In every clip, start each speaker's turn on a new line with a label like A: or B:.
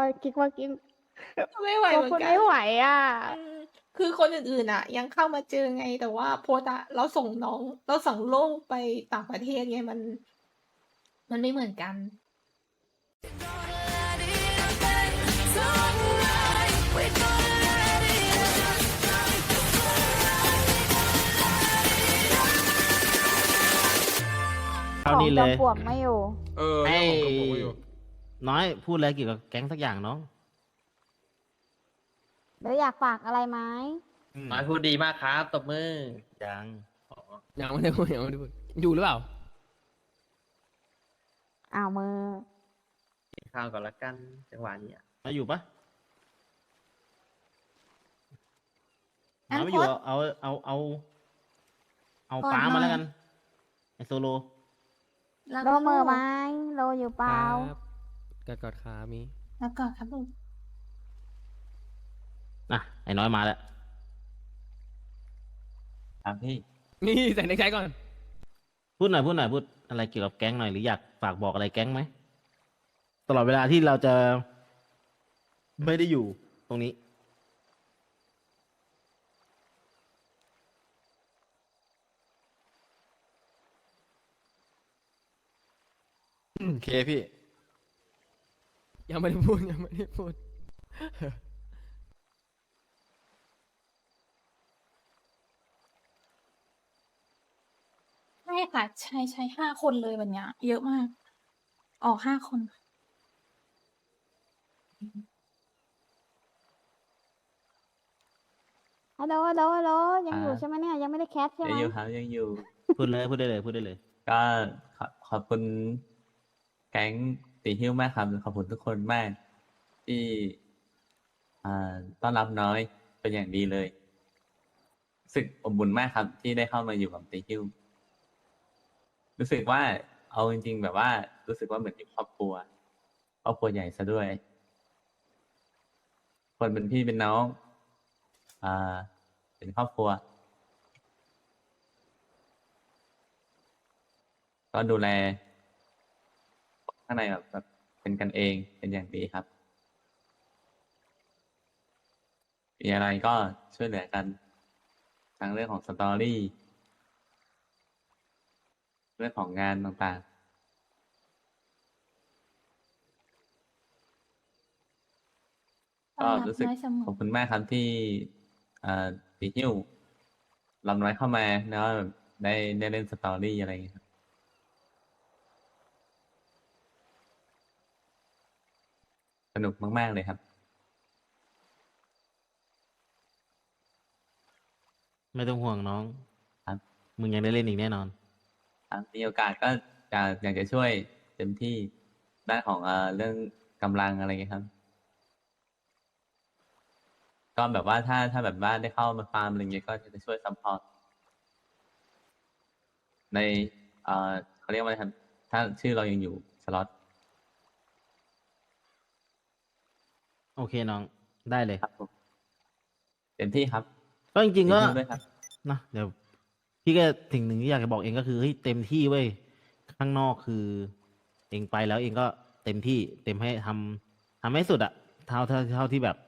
A: กิ๊กว่ากิ๊ก
B: ไม่ไหว
A: กลัว
B: เหมือ
A: คุ
B: น
A: ณ
B: กั
A: ไม่
B: น
A: ไหวอะ
B: คือคนอื่น ๆ อะ ยังเข้ามาเจอไง แต่ว่าโพสต์อะ เราส่งโล่งไปต่างประเทศไง มันไม่เหมือนกัน
A: ขอ
C: เท่านี้
A: ง
C: เล
A: จอม
C: ย
A: ปลวกไม่อยู่
C: ไอ้
D: เรื่องของจอมปลวกไม่อยู่
C: น้อยพูดอะไรเกี่ยวกับแก๊งสักอย่างน้อง
A: หรืออยากฝากอะไรไหม
E: น้อยพูดดีมากครับ ตบมือ
C: ยัง
D: ยังไม่ได้พูดยังไม่ได้พูดอยู่หรือเปล่า
A: อ้าว มือ
E: กินข้าวก่อนละกันจังหวะนี้อะ
C: มาอยู่ปะ
B: งั้น
C: มาไม่อยู่
B: โพสต์
C: เอา
B: ก่อน
C: ป้า
B: หน่
C: มา
B: อย
C: แล้วกัน ไอโซโล
B: แล้ว
A: โล
B: ก็
A: มือ
B: ลูก
A: ไหม โลอยู่เปล่า
D: กอดขามี
B: แล้วก่อนครับลูก
C: อ่ะ ไอ้น้อยมาแล้ว
E: ครับพี่
D: นี่ใส่ในใจก่อน
C: พูดหน่อย พูดอะไรเกี่ยวกับแก๊งหน่อย หรืออยากฝากบอกอะไรแก๊งไหม ตลอดเวลาที่เราจะไม่ได้อยู่ตรงนี้
F: โอเคพี่
D: ยังไม่ได้พูดยังไม่ได้พูด
B: ใช่ค่ะ ใช่ 5 คนเลยวันเนี้ย เยอะมาก ออก 5 คน
A: ฮัลโหล ฮัลโหล ฮัลโหล ยังอยู่ใช่ไหมเนี่ย ยังไม่ได้แคสใช่ไหม
E: ยังอยู่ครับยังอยู่
C: พูดเลย พูดได้เลย พูดได้เลย
E: ก็ขอบคุณแก๊งตีหิ้วมากครับ ขอบคุณทุกคนมาก ที่ต้อนรับน้อยเป็นอย่างดีเลยรู้สึกอบอุ่นมากครับ ที่ได้เข้ามาอยู่กับตีหิ้วรู้สึกว่าเอาจริง ๆ แบบว่า รู้สึกว่าเหมือนที่ครอบครัวใหญ่ซะด้วย คนเป็นพี่เป็นน้องเป็นครอบครัว ก็ดูแลข้างในแบบเป็นกันเองเป็นอย่างดีครับ มีอะไรก็ช่วยเหลือกันทั้งเรื่องของสตอรี่ เรื่องของงานต่างๆ ก็รู้สึก
B: ต้อนรับน้อยเสมอ
E: ขอบคุณมากครับที่ตีหิ้วลำน้อยเข้ามาแล้วแบบได้เล่นสตอรี่อะไรอย่างเงี้ยครับสนุกมาก ๆ เลยครับ
C: ไม่ต้องห่วงน้อง
E: ครับ
C: มึงยังได้เล่นอีกแน่นอน
E: ครับมีโอกาสก็อยากจะช่วยเต็มที่ด้านของเรื่องกำลังอะไรเงี้ยครับ ก็แบบว่าถ้าแบบว่าได้เข้ามาฟาร์มอะไรเงี้ยก็จะช่วยซัพพอร์ตในเขาเรียกว่าอะไรครับ ถ้าชื่อเรายังอยู่สล็อต
C: โอเคน้อง ได้เลย
E: ครับผมเต็มที่ครับ
C: ก็จริงๆก็
E: เต็มที่ด้วยครับ
C: นะเดี๋ยวพี่ก็สิ่งหนึ่งที่อยากจะบอกเองก็คือเฮ้ยเต็มที่เว้ยข้างนอกคือ เองไปแล้วเองก็เต็มที่เต็มให้ทำให้สุดอะเท่าที่แบบ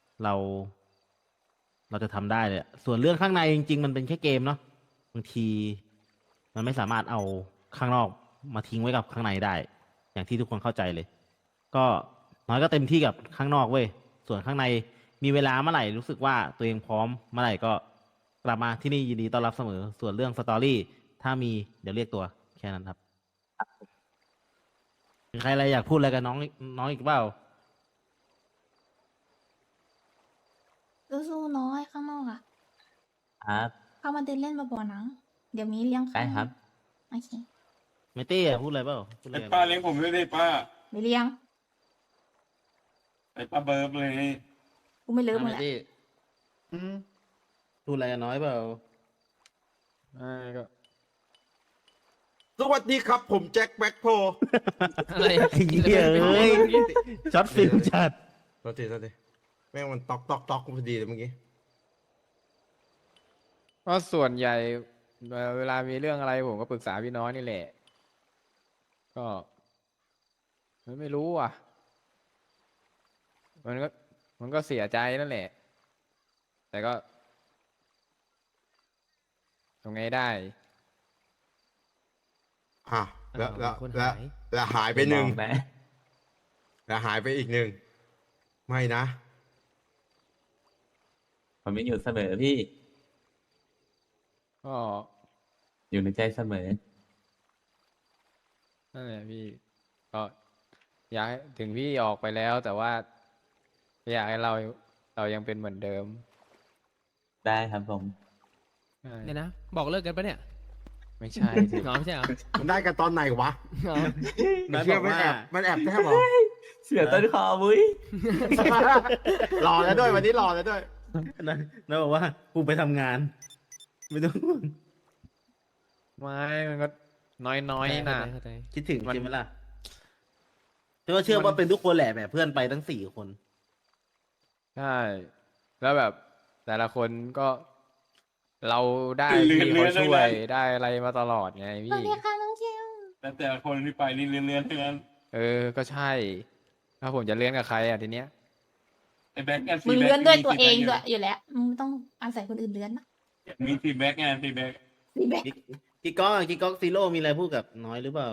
C: เราจะทำได้เลยอะส่วนเรื่องข้างในจริง ๆ มันเป็นแค่เกมเนาะบางทีมันไม่สามารถเอาข้างนอกมาทิ้งไว้กับข้างในได้ อย่างที่ทุกคนเข้าใจเลย ก็น้อยก็เต็มที่กับข้างนอกเว้ยส่วนข้างในมีเวลาเมื่อไหร่รู้สึกว่าตัวเองพร้อมเมื่อไหร่ก็กลับมาที่นี่ยินดีต้อนรับเสมอ ส่วนเรื่องสตอรี่ถ้ามีเดี๋ยวเรียกตัวแค่นั้นครับมีใครอะไรอยากพูดอะไรกับน้องอีกเปล่า
B: สู้ๆน้อยข้างนอกอะ
E: ครับ
B: เข้ามาเดินเล่นบ่อยๆนะ เดี๋ยวมีเลี้ยงข้า
E: ได้
B: ว
E: ครับ
B: โอเค
C: ไม่เต้อะพูดอะไรเปล่าพูดอะไร
G: ไอ้ป้าเลี้ยงผมด้วยดิป้า
B: ไม่เลี้ยง
G: ไอ้ป้าเบิร์บเลย
B: กูไม่เลิกมึง
C: ไม่
B: แหละ
C: เต้พูดอะไรกับน้อยเปล่า
F: ก็
H: สวัสดีครับ ผมแจ็คแบ็คโพ
D: อะไร
C: ไอ้เหี้ยเอ้ยช็อตฟิลจัด
H: โทษทีแม่งมันตอกพอดีเลยเมื่อกี้
F: เพราะส่วนใหญ่เวลามีเรื่องอะไรผมก็ปรึกษาพี่น้อยนี่แหละ ก็ไม่รู้อ่ะมันก็มันก็เสียใจนั่นแหละ แต่ก็ทำไงได้
H: อ่ะแล้ว
D: อ้าว
H: แล้ว
D: มีคน
H: แล้ว
D: หาย
H: แล้วหายไปหนึ่ง
E: มอนะ
H: แล้วหายไปอีกหนึ่ง ไม่นะ
E: ผมยังอยู่เสมอพี่
F: ก็
E: อยู่ในใจเสมอ
F: นั่นแหละพี่ ก็อยากให้ถึงพี่ออกไปแล้ว แต่ว่าอยากให้เรายังเป็นเหมือนเดิม
E: ได้ครับผม
F: ใช่
D: เนี่ยนะ บอกเลิกกันปะเนี่ย
F: ไม่ใช่สิ
D: อ๋อไม่ใช่เหรอ
H: มันได้กันตอนไหนวะ
D: อ๋อ
C: น้อย
H: เชื่
C: บ
H: อ
C: อก
H: มัน
C: ว่า
H: แอบมันแอบแทบเหรอ
E: เสียต้นคอมุ้ย
H: รอแล้วด้วยวันนี้รอแล้วด้วย
C: น้อยบอกว่ากูไปทำงาน ไม่ต้องห่วง
F: ไม่มันก็น้อยๆนะ
D: เข้าใจ
C: คิดถึง
F: มัน
C: ใช่ไหมล่ะเชื่อว่าเป็นทุกคนแหละแบบเพื่อนไปทั้ง4 คน
F: ใช่ แล้วแบบแต่ละคนก็เราได้
G: เลื่อน
F: พี่เขา
G: เลื่อน
F: ช่วย
G: เลื่อน
F: ได้อะไรมาตลอดไง
B: สวั
F: พี่
B: สดีค่ะน้องเชล
G: แต่ละคนที่ไปนี่เลื่อนๆทั้งนั้น
F: ก็ใช่ ถ้าผมจะเลี้ยงกับใครอ่ะทีเนี้ย
G: ไอ้แบ็กกัน
B: มึงเลื้อนด้วยตัวเองด้วยอยู่แล้วมึงไม่ต้องอาศัยคนอื่นเลื้อนนะ
G: มีทีแบ็กไงทีแบ็ก
B: รีแบก
C: กิ๊กก๊อกซีโร่มีอะไรพูดกับน้อยหรือเปล่า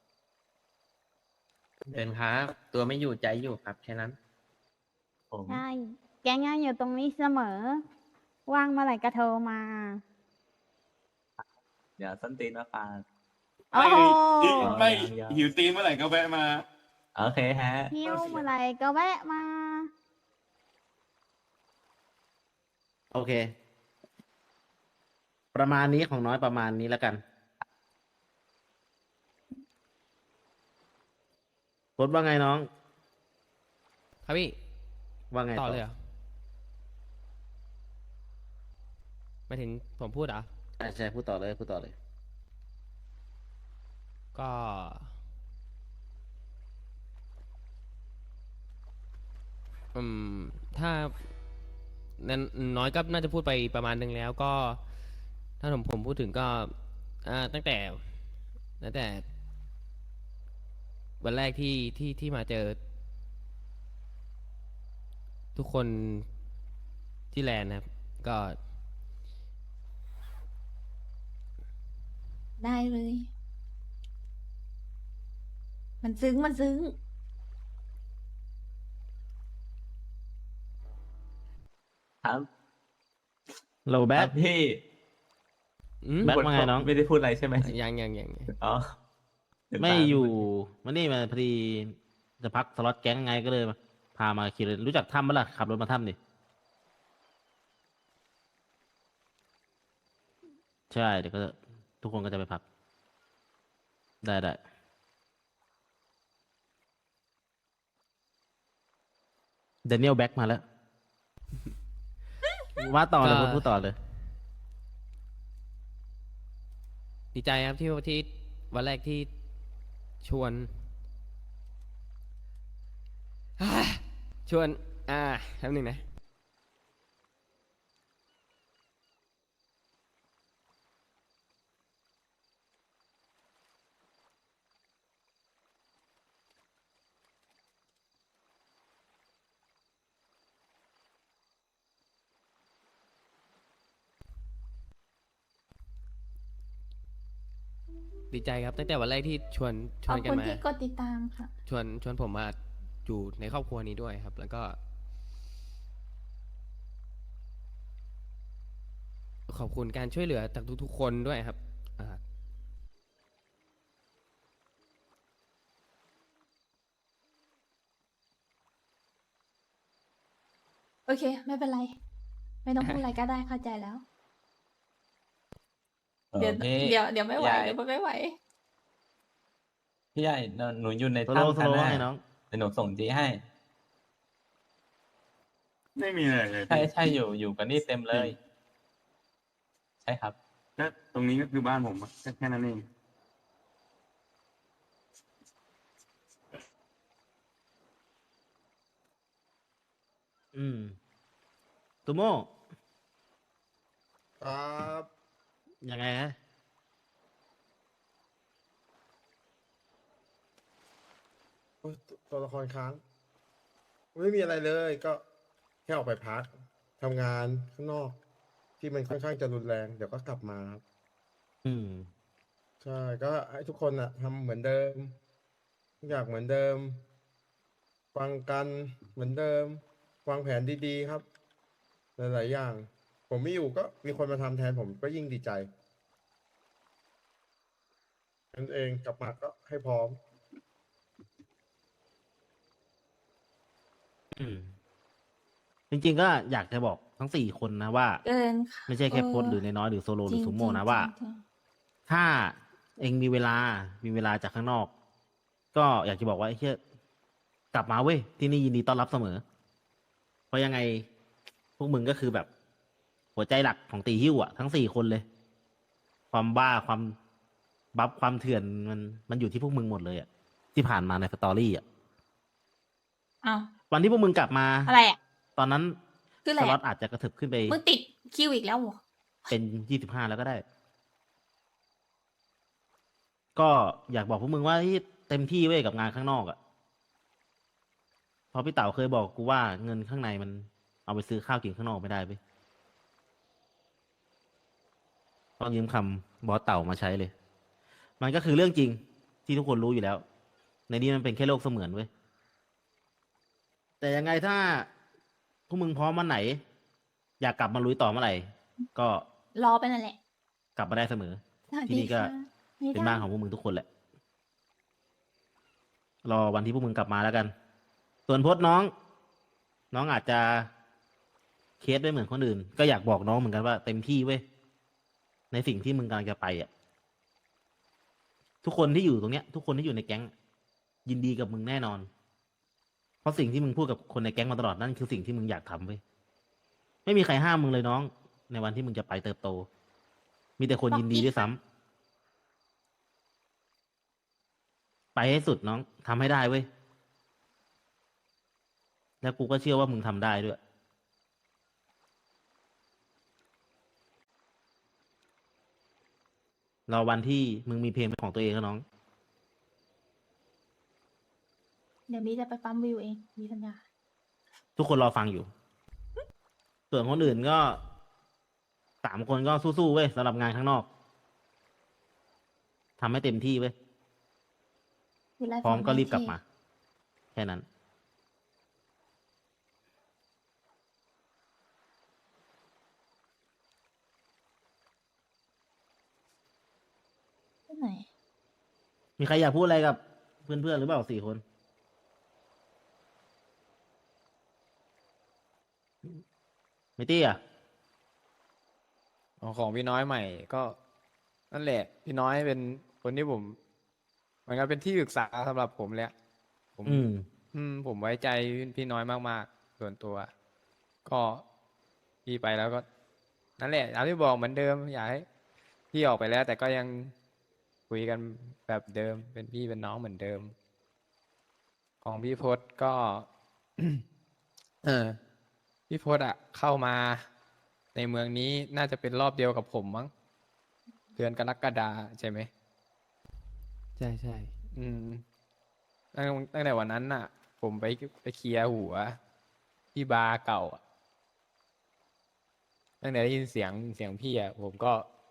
I: เดินครับตัวไม่อยู่ใจอยู่ครับแค่นั้น
E: ผม
A: ใช่ แกงยังอยู่ตรงนี้เสมอ ว่างเมื่อไหร่ก็โทรมา
E: เดี๋ยวส้นตีนมาฝาก
A: โอ้โห
G: ไม่
E: ยัง
G: หิวตีนเมื่อไหร่ก็แวะมา
E: โอเคฮะ
A: หิวเมื่อไหร่ก็แวะมา
C: โอเค ประมาณนี้ของน้อยประมาณนี้แล้วกันโค้ดว่าไงน้อง
D: ครับพี่
C: ว่าไง
D: ต่อเลยเหรอหมายถึงผมพูดเหรอ
C: ใช่พูดต่อเลยพูดต่อเลย
D: ก็ ถ้านั้นน้อยก็น่าจะพูดไปประมาณนึงแล้วก็ ถ้าผมพูดถึงก็ตั้งแต่วันแรกที่มาเจอ ทุกคนที่แลนด์นะครับ ก็
B: ได้เลย มันซึ้งมันซึ้ง
E: ครับ
C: โลแบ
E: ครั
C: ท
E: บพี่
C: แบทว่าไงน้อง
E: ไม่ได้พูดอะไรใช่ไหม
D: ยัง
E: อ๋อ
C: ไม่อยู่มานี่มาพอดีจะพักสล็อตแก๊งไงก็เลยมาพามาขี่เลยรู้จักถ้ำมั้ยล่ะขับรถมาถ้ำดิใช่เดี๋ยวก็ทุกคนก็จะไปพัก ได้เดนิเอลแบ็กมาแล้ว ว่าต่อเลย
D: ก็
C: พูดต่อเลย
D: ดีใจครับที่วันแรกที่ชวน ชวนแป๊บหนึ่งนะ ดีใจครับตั้งแต่วันแรกที่ชวน
B: ขอบ
D: กัน
B: คุณ
D: มา
B: ที่กดติดตามค่ะ
D: ชวนผมมาอยู่ในครอบครัวนี้ด้วยครับ แล้วก็ ขอบคุณการช่วยเหลือจากทุกๆคนด้วยครับ
B: โอเค ไม่เป็นไร ไม่ต้องพูดอะไรก็ได้เข้าใจแล้ว เดี๋ยว
E: พี่
B: เดี๋ยวไม่ไหว
E: ใหญ่
B: เดี๋ยวไม่ไหว
E: พี่ใหญ่หนูอยู่ใน
C: โซโล่
E: ถ้ำ
C: โซ
E: กัน
C: โล่
E: นะ
C: ให้น้อง
E: เดี๋ยวหนูส่งจีให้
G: ไม่มีอะไรเลย
E: ใช่อยู่กันนี่เต็มเลย ใช่ครับ
G: ก็ตรงนี้ก็คือบ้านผมอะแค่นั้นเอง
C: ตูโม่
H: ครับ
C: ยังไงฮะ
H: โอ้ยตัวละครค้างไม่มีอะไรเลย ก็แค่ออกไปพักทำงานข้างนอก ที่มันค่อนข้างจะรุนแรง เดี๋ยวก็กลับมาครับ
C: อืม
H: ใช่ ก็ให้ทุกคนทำเหมือนเดิมทุกอย่างเหมือนเดิม ฟังกันเหมือนเดิม วางแผนดีๆครับ หลายๆอย่าง ผมไม่อยู่ก็มีคนมาทำแทนผมก็ยิ่งดีใจนั่นเองกลับมาก็ให้พร้อม
C: อืม จริงๆก็อยากจะบอกทั้งสี่คนนะว่า
B: เกินค่ะ
C: ไม่ใช่แค่
B: เออ
C: โพสหรือน้อยๆหรือโซโลหรือ
B: จริง
C: ซูโม่
B: จริง
C: นะว่า
B: จริง
C: ถ้าเองมีเวลาจากข้างนอก ก็อยากจะบอกว่าไอ้เชี่ยกลับมาเว้ยที่นี่ยินดีต้อนรับเสมอ เพราะยังไงพวกมึงก็คือแบบ หัวใจหลักของตีหิ้วอะทั้งสี่คนเลย ความบ้าความบัฟความเถื่อนมันอยู่ที่พวกมึงหมดเลยอะที่ผ่านมาในสตอรี่อะ
B: อ้าว
C: วันที่พวกมึงกลับมา
B: อะไรอ่ะ
C: ตอนนั้น
B: คืออะไร
C: ส
B: อะ
C: ล็อตอาจจะกระเถิบขึ้นไป
B: มึงติดคิวอีกแล้วเหรอ
C: เป็น25แล้วก็ได้ ก็อยากบอกพวกมึงว่าที่เต็มที่เว้ยกับงานข้างนอกอะเพราะพี่เต๋าเคยบอกกูว่าเงินข้างในมันเอาไปซื้อข้าวกินข้างนอกไม่ได้เว้ยต้องยืมคำบอสเต่ามาใช้เลย มันก็คือเรื่องจริงที่ทุกคนรู้อยู่แล้ว ในนี้มันเป็นแค่โลกเสมือนเว้ย แต่ยังไงถ้าพวกมึงพร้อมวันไหน อยากกลับมาลุยต่อเมื่อไหร่ ก็
B: รอไปนั่นแหละ
C: กลับมาได้เสมอ
B: สวัส
C: ที่
B: ดี
C: นี่ก็
B: ค่ะไม่
C: เป็น
B: ได้
C: บ้านของพวกมึงทุกคนแหละ รอวันที่พวกมึงกลับมาแล้วกัน ส่วนพจน์น้องอาจจะเคสไม่เหมือนคนอื่น ก็อยากบอกน้องเหมือนกันว่าเต็มที่เว้ย ในสิ่งที่มึงกำลังจะไปอ่ะ ทุกคนที่อยู่ตรงเนี้ย ทุกคนที่อยู่ในแก๊ง ยินดีกับมึงแน่นอน เพราะสิ่งที่มึงพูดกับคนในแก๊งมาตลอดนั่นคือสิ่งที่มึงอยากทำเว้ย ไม่มีใครห้ามมึงเลยน้อง ในวันที่มึงจะไปเติบโต มีแต่คนยินดีด้วยซ้ำ ไปให้สุดน้องทำให้ได้เว้ย แล้วกูก็เชื่อว่ามึงทำได้ด้วย รอวันที่มึงมีเพลงเป็นของตัวเองแล้วน้อง
B: เดี๋ยวบีจะไปปั๊มวิวเองมีสัญญา
C: ทุกคนรอฟังอยู่ ส่วนคนอื่นก็3 คนก็สู้ๆเว้ยสำหรับงานข้างนอกทำให้เต็มที่เว้ย
B: วิไล
C: พร้อม
B: ฟ
C: ก็รีบกลับ
B: โอเค
C: มา แค่นั้น
B: ที่ไหน
C: มีใครอยากพูดอะไรกับเพื่อนๆหรือเปล่า4 คน ไม่ตี้อ่ะ
F: ของพี่น้อยใหม่ก็นั่นแหละ พี่น้อยเป็นคนที่ผมเหมือนกันเป็นที่ปรึกษาสำหรับผมเลยอะผม ผมไว้ใจพี่น้อยมากๆ ส่วนตัว ก็พี่ไปแล้วก็ นั่นแหละตามที่บอกเหมือนเดิม อยากให้พี่ออกไปแล้ว แต่ก็ยังคุยกันแบบเดิม เป็นพี่เป็นน้องเหมือนเดิม ของพี่พศก็ พี่พศอะเข้ามาในเมืองนี้น่าจะเป็นรอบเดียวกับผมมั้งเดือนกรกฎาใช่ไหม
D: ใช่ใช่
F: อืมตั้งแต่วันนั้นน่ะ ผมไปเคลียร์หัวที่บาร์เก่าอะตั้งแต่ได้ยินเสียงพี่อะผมก็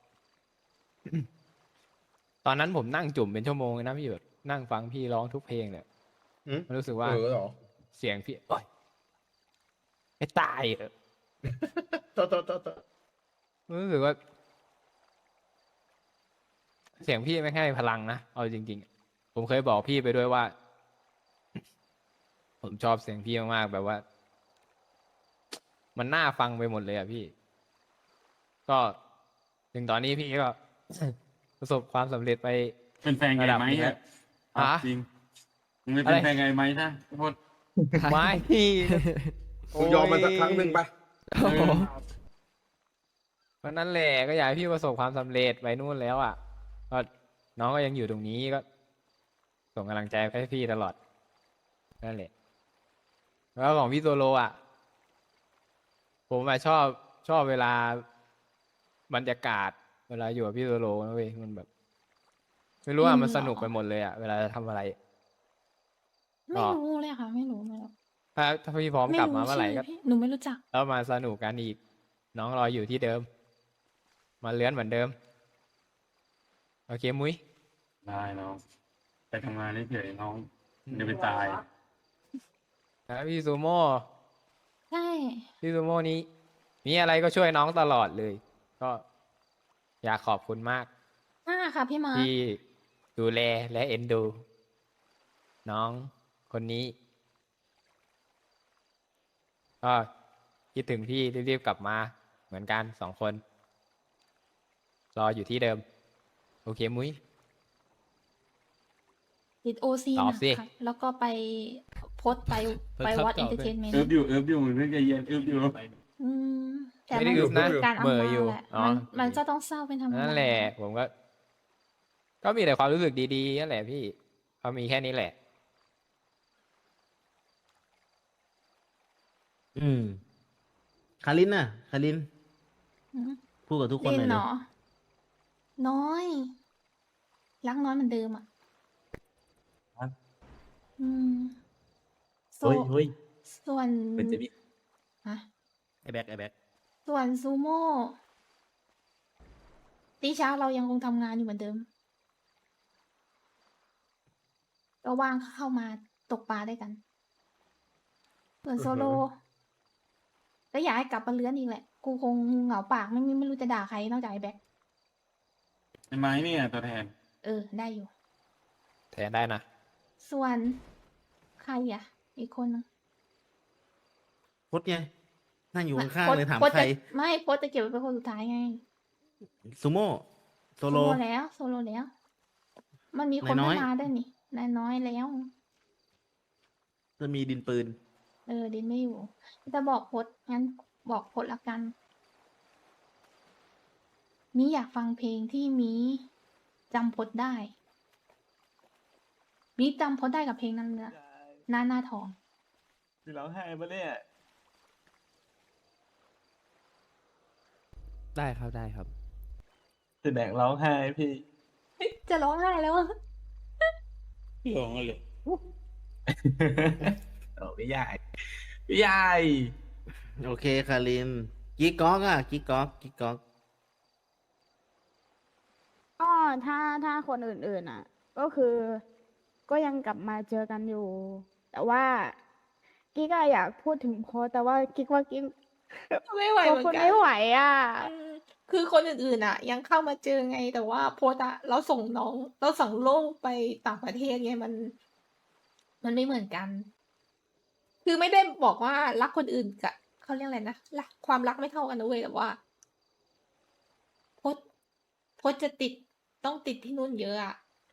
F: ตอนนั้นผมนั่งจุ่มเป็นชั่วโมงเลยนะพี่หยดนั่งฟังพี่ร้องทุกเพลงเนี่ย
H: อืม
F: มันรู้สึกว่า
H: เหรอ
F: เสียงพี่โอ๊ยไม่ตายเหรอ
H: ต่อ
F: รู้สึกว่า เสียงพี่ไม่ให้พลังนะเอาจริงๆผมเคยบอกพี่ไปด้วยว่า ผมชอบเสียงพี่มากๆแบบว่า มันน่าฟังไปหมดเลยอะพี่ ก็ถึงตอนนี้พี่ก็ ประสบความสำเร็จไป
G: เป็นแฟนไงไหม
F: ระดับหนึ่งแล้
G: อะ
F: ว
G: เอา
F: ฮะ
G: จริงมึงไม่เป็น
F: อะไร
G: แฟนไงไหมนะโทษ
F: ไม่
H: มึงยอมมันสักครั้งหนึ่งไป
F: โอ้โหวันนั้นแหละก็อยากให้พี่ประสบความสำเร็จไปนู่นแล้วอ่ะก็น้องก็ยังอยู่ตรงนี้ก็ ส่งกำลังใจให้พี่ตลอดนั่นแหละแล้วของพี่โซโลอ่ะ ผมอะชอบเวลาบรรยากาศ เวลาอยู่กับพี่โซโลนะเว้ยมันแบบ ไม่รู้อ่ะมันสนุกไปหมดเลยอ่ะเวลาจะทำอะไร
B: ไม่รู้เลยค่ะ ไม่รู้
F: ถ้าพี่พร้อม
B: ไม่
F: กลับ
B: รู้
F: มาเมื่อไหร่
B: ชื่อ
F: ก็
B: พี่หนูไม่รู้จัก
F: แล้วมาสนุกกันอีก น้องรออยู่ที่เดิม มาเลื้อนเหมือนเดิม โอเคมุ้ย
G: ได้น้องไปทำงานเฉยๆน้องเดี๋ยวไปตาย
F: นะพี่ซูโม่
B: ใช่
F: พี่ซูโม่นี้ มีอะไรก็ช่วยน้องตลอดเลย ก็อยากขอบคุณมาก
B: ค่ะพี่มาร์ค
F: ที่ดูแลและเอ็นดู น้องคนนี้ ก็คิดถึงพี่รีบๆกลับมา เหมือนกัน2 คน รออยู่ที่เดิม โอเคมุ้ย
B: ติดโอซี
F: ตอบสิ
B: ค่ะแล้วก็ไปโพสต์ไป
D: เพิ่ง
B: วัด
D: เข้า
B: เอนเตอร์
D: ต่อ
B: เทนเมนต์
G: เอิบอยู่มึงเรื่องใจเย็นเอิบอยู่
B: อืมแต่
F: ไม่ได้
B: มัน
F: อึบนะ
B: คือการ
F: เหม่อ
B: อำลา
F: อยู่
B: แหละ
F: อ๋อ
B: มันก็ต้องเศร้าเป็นธรรมดา
F: นั่นแหละ ผมก็มีแต่ความรู้สึกดีๆนั่นแหละพี่เขามีแค่นี้แหละ
C: อืมคารินน่ะคาริน
B: อืม
C: พูดกับทุกคน
B: ลิ
C: หน่อย
B: นเห
C: เล
B: ร
C: ย
B: อ น้อย รักน้อยเหมือนเดิมอ่ะ
E: ครับ
B: อืมโซ
E: เฮ้ย
B: ส่วน
E: มันจะมี
B: ฮะ
C: ไอแบ็กไอแบ็ก
B: ส่วนซูโม่ตีเช้าเรายังคงทำงานอยู่เหมือนเดิม ก็ว่างเข้ามาตกปลาด้วยกัน ส่วนโซโล ก็อยากให้กลับมาเลื้อนอีกแหละ กูคงเหงาปากไม่รู้จะด่าใครนอกจากไอ้แบ็ค
G: ไอ้ไม้เนี่ยตัวแทน
B: ได้อยู่
F: แทนได้นะ
B: ส่วนใครอ่ะ อีกคนนึง
C: พดไงนั่งอยู่ข้างๆเลยถาม
B: โพสต์
C: ใคร
B: ไม่โพสต์จะเก็บไว้เป็นคนสุดท้ายไง
C: ซูโม่โซโล
B: โซโลแล้ว มันมีคน
C: นายน้อย
B: ไม่มาด้วยนี่นายน้อยแล้ว
C: จะมีดินปืน
B: ดินไม่อยู่ จะบอกโพสต์งั้นบอกโพสต์ละกัน มีอยากฟังเพลงที่มีจำโพสต์ได้ มีจำโพสต์ได้กับเพลงนั้นเนี่ยหน้าทอง
G: พี่ร้องไห้ปะเนี่ย
D: ได้ครับได้ครับ
E: จะแดกร้องไห้พี่
B: จะร้องไห้แล้วอะ
G: ร้องเลย
E: โอ้พี่ใหญ่พี่ใหญ่
C: โอเคคารินกิ๊กก๊อกอ่ะกิ๊กก๊อกกิ๊กก๊อก
A: ก็ถ้าคนอื่นๆอ่ะ ก็คือก็ยังกลับมาเจอกันอยู่ แต่ว่ากิ๊กอะอยากพูดถึงโพสต์แต่ว่ากิ๊กว่ากิ๊ก
B: ไม่ไหว
A: ก็
B: เหมือ
A: พูด
B: นกัน
A: ไม่ไหวอ่ะ
B: อืมคือคนอื่นๆอ่ะ ยังเข้ามาเจอไง แต่ว่าโพสต์อะเราส่งโลกไปต่างประเทศไงมันไม่เหมือนกัน คือไม่ได้บอกว่ารักคนอื่นกับเขาเรียกอะไรนะรักความรักไม่เท่ากันนะเว้ยแต่ว่าโพสต์จะต้องติดที่นู่นเยอะอะ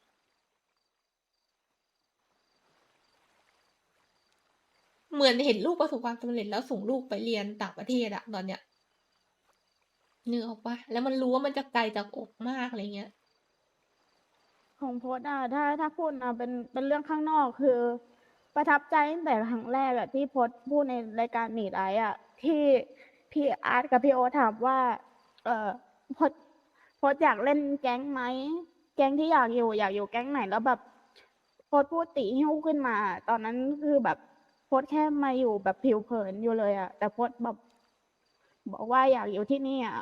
B: เหมือนเห็นลูกประสบความสำเร็จแล้วส่งลูกไปเรียนต่างประเทศอะตอนเนี้ยนึกออกปะแล้วมันรู้ว่ามันจะไกลจากอกมากอะไรเงี้ย
A: ของโพสต์อะถ้าพูดนะเป็นเรื่องข้างนอกคือ ประทับใจตั้งแต่ครั้งแรกอะที่โพสต์พูดในรายการมีดไออะที่พี่อาร์ตกับพี่โอตถามว่า โพสต์อยากเล่นแก๊งไหมแก๊งที่อยากอยู่แก๊งไหนแล้วแบบโพสต์พูดติหิ้วขึ้นมา ตอนนั้นคือแบบโพสต์แค่มาอยู่แบบผิวเผินอยู่เลยอะแต่โพสต์แบบบอกว่าอยากอยู่ที่นี่อะ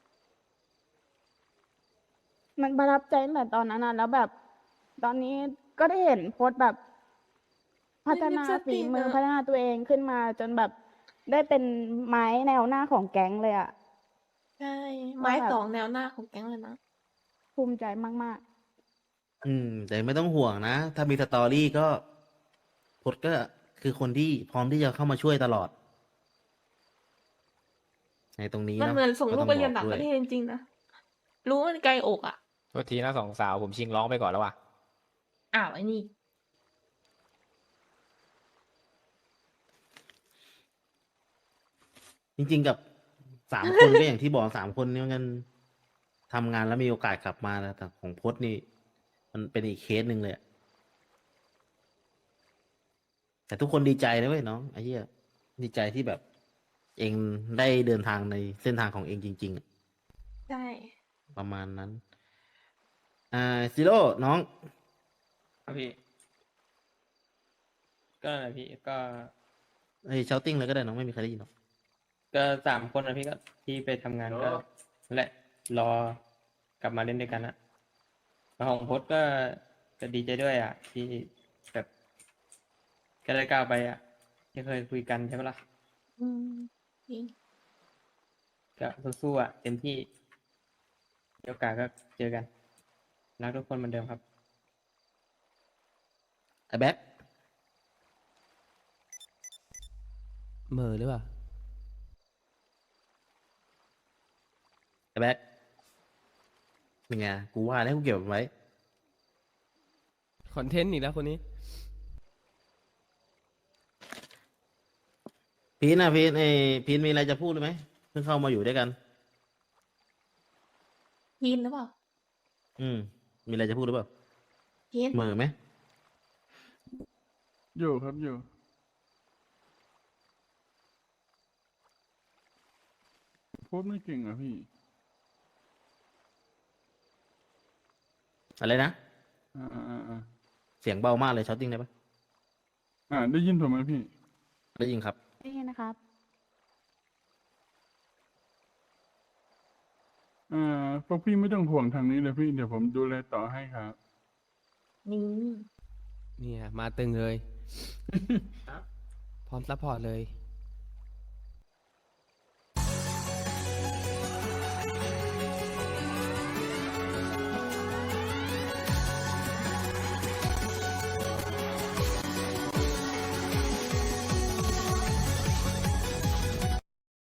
A: มันประทับใจตั้งแต่ตอนนั้นนะแล้วแบบ ตอนนี้ก็ได้เห็นโพสต์แบบ พัฒนา
B: ลิปสติ
A: ฝี
B: ก
A: มือ
B: อะ
A: พัฒนาตัวเองขึ้นมาจนแบบได้เป็นไม้แนวหน้าของแก๊งเลยอะ
B: ใช่ไม้สองแนวหน้าของแก๊งเลยนะ
A: ภูมิใจมาก
C: แต่ไม่ต้องห่วงนะ ถ้ามีสตอรี่ก็พดก็คือคนที่พร้อมที่จะเข้ามาช่วยตลอด ในตรงนี้
B: มัน
C: เนาะ
B: เหมือนส่งลูกไปเรียน
C: บ
B: ต่าง
C: ด้
B: ป
C: วย
B: ระเทศจริงๆนะ รู้ว่ามันไกลอกอ่ะ
F: โทษทีนะสองสาวผมชิงร้องไปก่อนแล้วว่ะ
B: อ้าวไอ้นี่
C: จริงๆกับ3 คนก็อย่างที่บอก3 คนนี่มันทำงานแล้วมีโอกาสกลับมาแล้วแต่ของพดนี่ มันเป็นอีกเคสหนึ่งเลยอะแต่ทุกคนดีใจนะเว้ยน้องไอ้เหี้ยดีใจที่แบบ เองได้เดินทางในเส้นทางของเองจริงๆอะ
B: ใช่
C: ประมาณนั้น ซิโร่น้อง
I: ครับพี่ ก็นั่นแหละพี่ก็
C: ไอ้เชาติ้งเลยก็ได้น้องไม่มีใครได้ยินหรอก
I: ก็สามคนนะพี่ก็ที่ไปทำงานก็นั่นแหละรอกลับมาเล่นด้วยกันนะแล้วของพจน์ก็ดีใจด้วยอ่ะ ที่แบบก็ได้ก้าวไปอ่ะที่เคยคุยกันใช่ไหมล่ะ
B: อืมจริง
I: ก็สู้ๆอ่ะเต็มที่มีโอกาสก็เจอกันรักทุกคนเหมือนเดิมครับ
C: ไอ้แบ็ค
D: เหม่อหรือเปล่า
C: ไอ้แบ็คเป็นไงกูว่าแล้วกูเก็บไว้
D: คอนเทนต์อีกแล้วคนนี้
C: พีนพีนพีนมีอะไรจะพูดหรือไหมเพิ่งเข้ามาอยู่ด้วยกัน
B: พีนหรือเปล่า
C: มีอะไรจะพูดหรือเปล่า
B: พีน
C: เหม่อไหม
G: อยู่ครับอยู่พูดไม่เก่งอ่ะพี่
C: อะไรนะ
G: อ่า
C: เสียงเบามากเลยเชาติ้งได้ปะ
G: ได้ยินผมไหมพี่
C: ได้ยินครับ
A: ได้ยินนะครับ
G: พวกพี่ไม่ต้องห่วงทางนี้เลยพี่ เดี๋ยวผมดูแลต่อให้ครับ
B: นี่
D: เนี่ยมาตึงเลย พร้อมซัพพอร์ตเลย